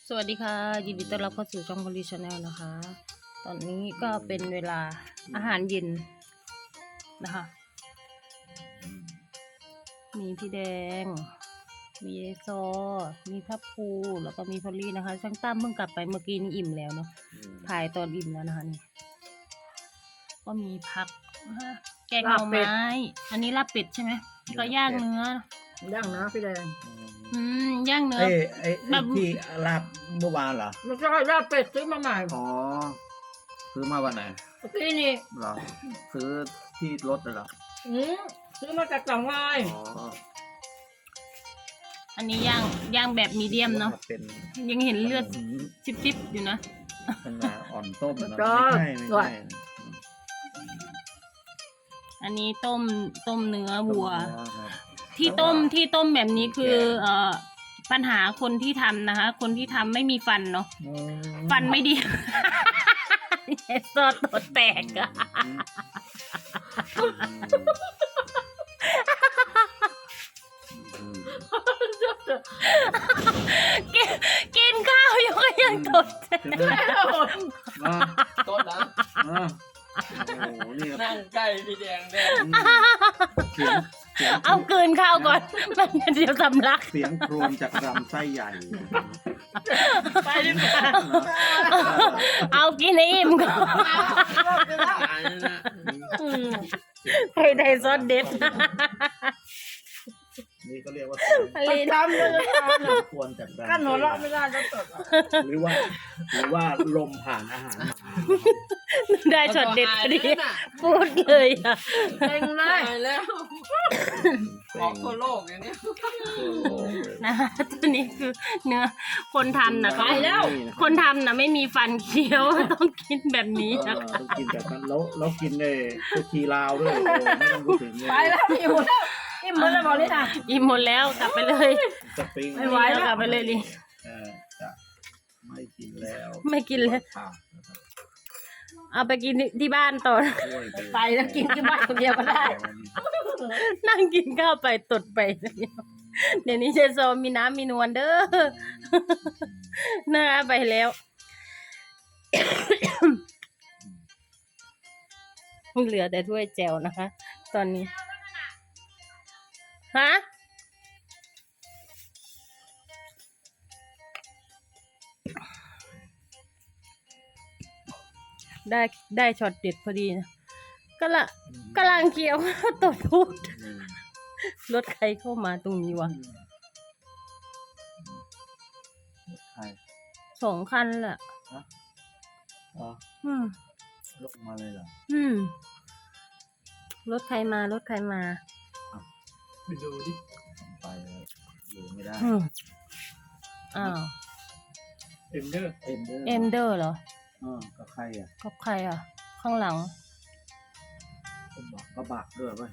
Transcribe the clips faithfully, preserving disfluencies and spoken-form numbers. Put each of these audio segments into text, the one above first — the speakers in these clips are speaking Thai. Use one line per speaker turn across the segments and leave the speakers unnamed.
สวัสดีค่ะยินดีต้อนรับเข้าสู่ช่องพลีชาแนลนะคะ ตอนนี้ก็เป็นเวลาอาหารเย็นนะคะ มีพี่แดง มีเอซอมีพับปูแล้วก็มีพอลลี่นะคะช่างตั้มเพิ่งกลับไปเมื่อกี้นี้อิ่มแล้วเนาะถ่ายตอนอิ่มแล้วนะคะนี่ก็มีผักนะคะแกงหน่อไม้อันนี้ลาบเป็ดใช่ไหมก็ย่างเนื้
อย่างนะพี่แดง
อืมย่างเนื้อ
ไอ้ไอ้ไอ้ที่ลาบเมื่อวานเหรอ
ไม่ใช่ลาบเป็ดซื้อมาใหม่
อ๋อ ซื้อมาวันไหน
เมื่อกี้นี่
เหรอ ซื้อที่รถเลยเหรอ
อืมซื้อมาจากกล่องไว้
อ๋อ
อันนี้ย่างย่างแบบมีเดียมเนาะ
เป็น
ยังเห็นเลือดซิบๆอยู่นะ
เป็นงาอ่อนต้มนะไม่ใช่ไม่ใช่
อันนี้ต้มต้มเนื้อวัว
ต้มเนื้อครับ
ที่ต้มที่ต้มแบบนี้คือเอ่อปัญหาคนที่ทำนะคะ คนที่ทำไม่มีฟันเนาะ
อืม
ฟันไม่ดี เอสโซตัวแตกอะ
อืม
กินกินข้าวอยู่ก็ยังตดแตก
ใช่ไหมอ่ะ
ต้นนะ
อ่ะโอ้โหนี่ครับ
นั่งใกล้พี่แดงแดง
อืมเสียงเสียง
เอากลืนข้าวก่อน มันเดี๋ยวสำลัก
เสียงโครนจากลำไส้ใหญ่
ไปดีกว่าเอากินให้อิ่มก่อน
ตายแล้วนะ
ให้ได้ซอสเด็ด
นี่ก็เรียกว่า
ประจำเลยนะ
เสียงควรจากลำ
กั้นหัวเราะไม่ได้จะตดอ่ะ
หรือว่า หรือว่าลมผ่านอาหารมา
ได้ช็อตเด็ดพอดีพูดเลยอ่ะ
เต็งเล
ตาย ยแล้วออกทั่วโลกอย่างนี้
นะคะตัวนี้คือเนื้อคนทำนะ
ไปแล้ว
คนทำนะไม่มีฟันเคี้ยว ต้องกินแบบนี้
เอ
นะ
อ
คะ
ต้องกินแบบนั้นแล้วแล้วกินเลยตัวทีลาวด้วยโอ้ไม่ต้องพูดถึงเลย
ไปแล้วพี่หมดแล้วพี่หมดแล้วบอกนี่นะ
อิ่มหมดแล้วกลับไปเลย
สปริง
ไม่ไหวแล้ว
กลับไปเลยลิ
เออจะไม่กินแล้ว
ไม่กินเลย
ผักนะครับ
เอาไปกินที่บ้านต่อ
ช่วย
ไปแล้วกินที่บ้านคนเดียวก็ได้
นั่งกินข้าวไปตดไปเดี๋ยวนี้เจโซมีน้ำมีนวลเด้อ นะคะไปแล้ว เหลือแต่ถ้วยแจวนะคะ ตอนนี้ฮะได้ได้ช็อตเด็ดพอดีนะก็ละกำลังเคี้ยว ตดพูด
อืม
รถใครเข้ามาตรงนี้วะ
ใช่
สองคันแหละ
อ๋อ
อืม
ลงมาเลยเหรอ
อืม รถใครมารถใครมา
ไปดูดิ
ไปแล้วอยู่ไม่ได้
อืมอ้าว
เอ็มเดอร์
เอ็มเดอร์
เอ็มเดอร์เหรอ
อ่ากับใครอ่ะ
กับใครอ่ะ ข้างหลัง
ก็บอกก็บักด้วยเว้ย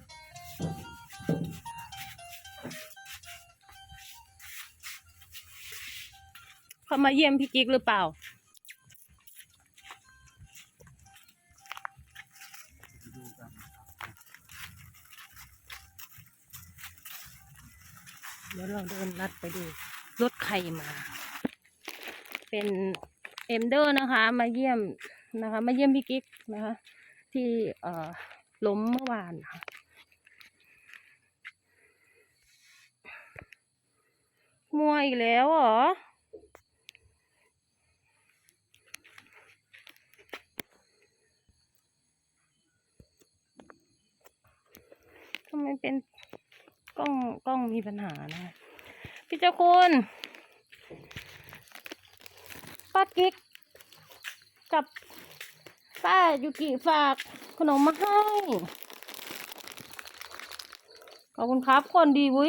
เขามาเยี่ยมพี่กิ๊กหรือเปล่า เดี๋ยวเราเดินลัดไปดู รถใครมา เป็นเอ็มเดอร์นะคะ มาเยี่ยมนะคะ มาเยี่ยมพี่กิ๊กนะคะ ที่เอ่อล้มเมื่อวานค่ะมัวอีกแล้วเหรอ ทำไมเป็นกล้องกล้องมีปัญหานะ พี่เจ้าคุณป้ากิ๊กกับป้ายูกิฝากขนมมาให้ขอบคุณครับคนดีวุ้ย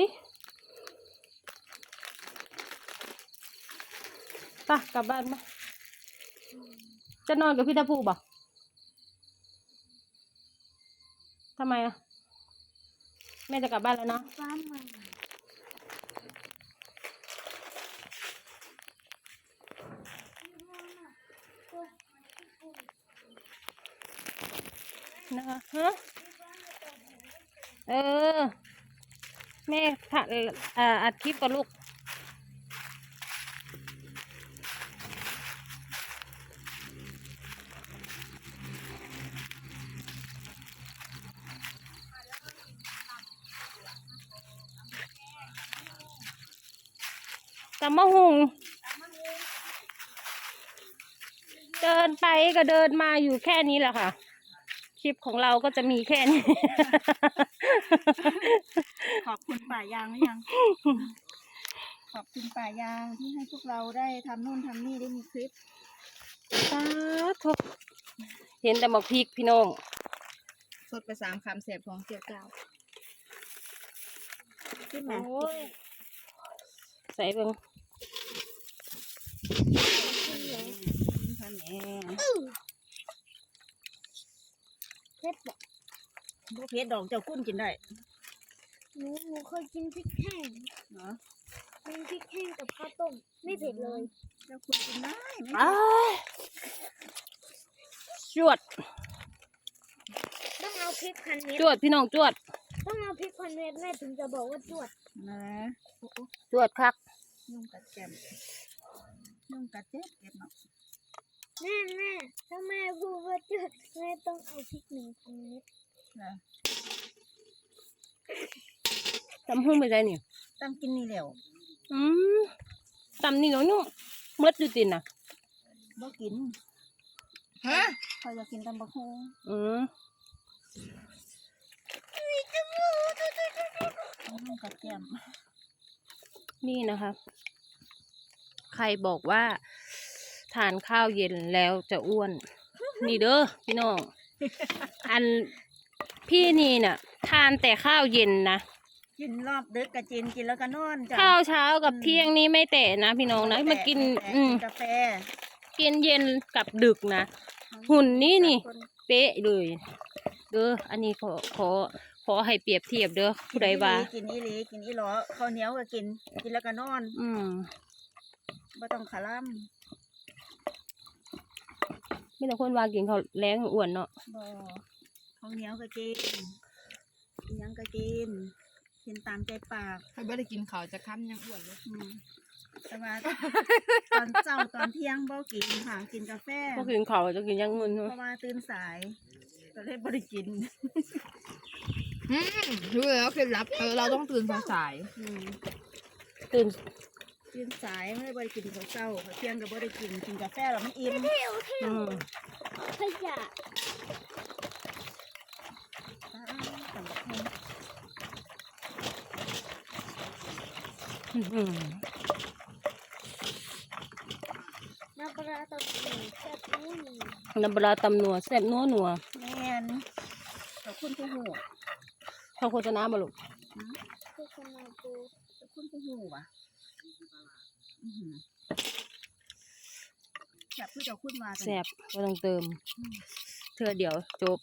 ไปกลับบ้านมาจะนอนกับพี่ตาภูบ่ะทำไมอ่ะแม่จะกลับบ้านแล้วเนาะนะคะฮะเออ แม่ถ่ายอ่าอัดคลิปกับลูกตำมะฮุงเดินไปก็เดินมาอยู่แค่นี้แหละค่ะคลิปของเราก็จะมีแค่นี้
ขอบคุณป่ายางหรือยัง ขอบคุณป่ายางที่ให้พวกเราได้ทำนู่นทำนี่ได้มีคลิป
สาธุเห็นแต่หมกพริกพี่น้อง
สดไปสามคำเสียบของเจียวเจ้าขึ้นมา
โอ้ยใส่เบิ่ง
ทำแหน่
เผ็ดบอก
พวกเพชรดอกเจ้ากุ้นกินได้
หนูหนูเคยกินพริกแห้ง
เนาะ
กินพริกแห้งกับข้าวต้มไม่เผ็ดเลย
เจ้าคุณกินได้ไหม
อ้ายจวด
ต้องเอาพริกพันเม็ด
จวดพี่น้องจวด
ต้องเอาพริกพันเม็ดแม่ถึงจะบอกว่าจวด
นะโอ้โห
จวดคัก
ยุ่งกัดแกมยุ่งกัดเจ็บเก็บเนาะ
แม่แม่ถ้าแม่พูดว่าจวดแม่ต้องเอาพริกหนึ่งพันเม็ด
นะ
ตำหุ้งไปได้นี่
ตั้งกินนี่แล้ว
อืมตำนี่เนาะนุ่มเมื่อดูตินน่ะ
บ่กินฮะคอยจะกินตำบักหุ่ง
อืม
ยุ่งกัดแกม
นี่นะคะ ใครบอกว่า ทานข้าวเย็นแล้วจะอ้วน นี่เด้อพี่น้อง อันพี่นี่น่ะ ทานแต่ข้าวเย็นนะ
กินรอบดึกกะจินกินแล้วก็นอนจ้ะ
ข้าวเช้ากับเที่ยงนี้ไม่แตะนะพี่น้องนะมากิน
แต่
อืม
กาแฟ
กินเย็นกับดึกนะหุ่นนี่นี่ เป๊ะเลยเด้ออันนี้ขอขอขอให้เปรียบเทียบเด้อผู้ใดว่า
กินอีหลีกินอีหลอข้าวเหนียวก็กิน กินแล้วก็นอน
อืม
บ่ต้องขาล่
ไม่ต้องคนว่ากินเขาวแรงอ้วนเนาะ
ำบ่ข้าวเหนียวก็กินอิหยังก็กิน กินตามใจปาก
ถ้าไม่ได้กินเขาวจะค้ำยังอ้วนเลย
อืมแต่ว่า ตอนเช้าตอนเที่ยงบ่กินค่ะ กินกาแฟ
ก็กินเขาวจะกินอยังเงิน
เพ
เนาะ
ราะว่าตื่นสายก็เลยบ่ได้กิน
อืมรู้แล้วเคล็ดลับเออเราต้องตื่นสาย
อืม
ตื่น
ตื่นสายไม่ได้บ่ได้กินข้าวเช้าข้าวเที่ยงก็บ่ได้กิน กินกาแฟแล้วมันอิ่ม
อืม
ขยะ
อ่าตำบักหุ่ง
อืม
น้ำปลาตะปูแซ่บนี่
น้ำปลาตำนัวแซ่บนัวนัว
แม่นขอบคุณผู้หู
เขาโฆษณามาลูก
โฆษณาปู
ขอบคุณผู้หูว่ะอื้อหือแซ่บผู้เจ้าคุณว่ากัน
แซ่บก็ต้องเติมเธอเดี๋ยวจบ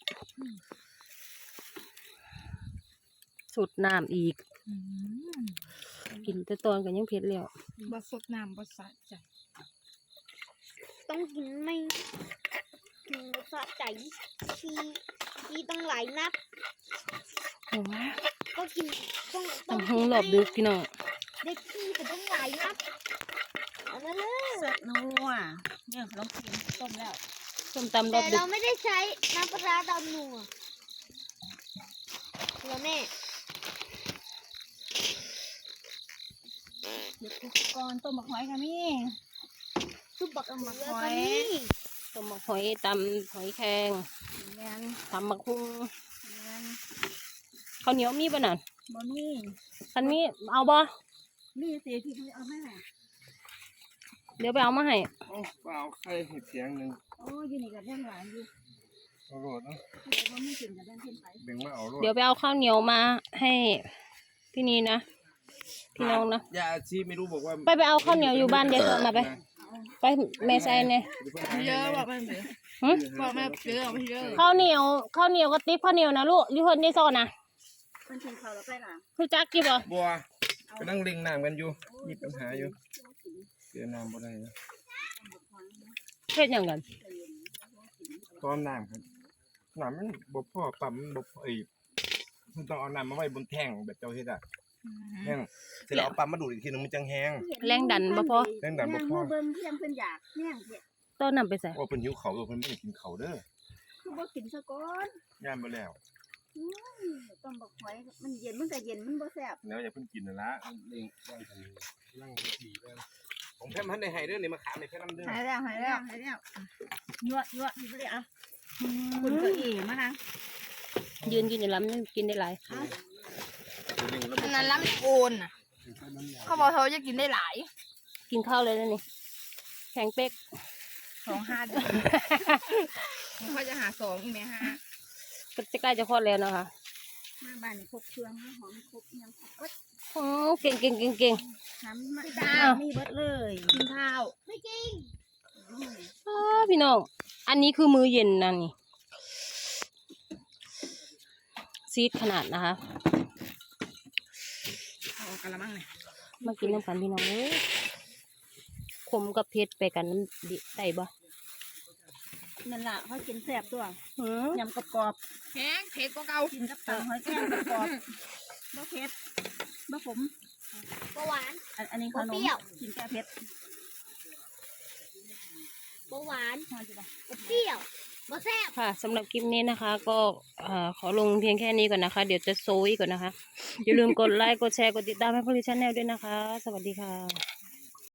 สุดน้ำอีก
ๆอืม
กินแต่ตอนกันยังเผ็ดแล้ว
บะสดน้ำบะสะใจ
ต้องกินไม่กินสะใจชีชีต้องหลายนัด
โอ้ย
ก็กินต้องต้อง
ตำหงหลอบดึกพี่น้อง
เด็กขี้แต่ต้องหลายนัดเอามาเลย
แซ่บนัวเนี่ยลองกินต้มแล้ว
ส้มตำรอ
แต่
บดึ
เรา
ก
ไม่ได้ใช้น้ำปลาดำหนัวแล้วแม่
เดี๋ยวอุปกรณ์ต้มบักหอยค่ะมี่
ซุปบัก
ต้ม
เขื
บัก
อ
หอ
ก็
ย
มี
ต้มหอยตำหอยแครง
แม่น
ตำมะคุง
แม่น
ข้าวเหนียวมีป่ะนั่น
บ่มี
คันมีเอาบ่
มีเสียที่เขาเอามาให้
เดี๋ยวไปเอามาให้
โอ้เปล่าใครเห็ดเสียงหนึ่ง
โอ้อยู่นี่กับเรื่องหลานอยู่
เอาโรดเนาะ
แต่ว่าไม่กินกับเรื่องเพิ่นไป
เบ่งมาเอาโรด
เดี๋ยวไปเอาข้าวเหนียวมาให้พี่นีนะพี่น้องนะ
ยาอาชีพไม่รู้บอกว่า
ไปไปเอาข้าวเหนียวอยู่บ้านยายสดมาไป ไปแม่ใส่เนี่ย
เยอะบอกมันเยอะ
หึ
บอกแม่เยอะไม่เยอะ
ข้าวเหนียวข้าวเหนียวกระติบข้าวเหนียวนะลูกอยูเพิ่นนี่ซอนนะ
เพิ่นกินข้าวแล้วไปล่ะ
คือจักกี่บ่
บัวไปนั่งเล็งน้ำกันอยู่มีปัญหาอยู่เสียน้ำบ่ได้นะ
เฮ็ดหยังกัน
ตอนน้ำครับน้ำมันบ่พอปั๊มมันบ่พอไอ้มันต้องเอาน้ำมาไว้บนแท่งแบบเจ้าเฮ็ดอ่ะแห้งเสร็จแล้วเอาปั๊มมาดูดอีกทีนึงมันจังแห้ง
แรงดันบ่พอ
แรงดันบ่พอ
เบิ่งเพิ่นเพิ่นอยากแห้งเฮ็ด
ต้นนำไปใส่
โอ้เพิ่นหิวเขาวเพิ่นบ่ได้กินเขาวเด้อ
คือบ่กินซะก่อน
ย่านบ่แล้ว
อื้อต้มบักหอยมันเย็นมันก็เย็นมันบ่แซ่บ
แล้วอย่าเพิ่งกินนะละเร่งร่างกันร่างดีแล้วผมแค่มันได้ให้เด้อนี่มาขามในแค่น้ำเด้อ
หายแล้วหายแล้วหายแล้วยั่วยั่วนี่เลยอ่ะคุณก็เอ๋มานะ
ยืนกินอยู่ลำนี่กินได้หลาย
อันนั้นล้ำโอนน่ะเขาบอกเขาจะกินได้หลาย
กินข้าวเลยนะนี่แข็งเป๊ก
สองห้าเดือนเขาจะหาสองอีกไหมฮะ
ก็จะใกล้จะคลอดแล้วนะคะ
มาบ้านนี่ครบเครื่องนะหอมครบยังครบเบิด
โอ้เก่งเก่งเก่งเก่ง
ทำมาตามีเบิดเลย
กินข้าว
ไม่จริง
อ้าพี่น้องอันนี้คือมื้อเย็นนะนี่ซีดขนาดนะคะ
เอากระมังเนี่ย
มากินน้ำกันพี่น้องเอ้ยขมกับเผ็ดไปกันน้ำดิได้บ่
นั่นล่ะเขากินแซ่บตัว
หือย
ำกรอบ
แห้งเผ็ดก็เก่า
ๆกินกับตำหอยแครงกรอบๆบ่เผ็ดบ่ขม
เบาหวาน
อันอันนี้ขน
บ่
ม
เปรี้ยว
กินแก้เผ็ด
เบาหวาน
พอจ้ะ
บ่เปรี้ยวบ่แซ่บ
ค่ะสำหรับคลิปนี้นะคะ ก็เอ่อขอลงเพียงแค่นี้ก่อนนะคะ เดี๋ยวจะโซยก่อนนะคะ อย่าลืมกดไลค์กดแชร์กดติดตามให้พลิชแนลด้วยนะคะ สวัสดีค่ะ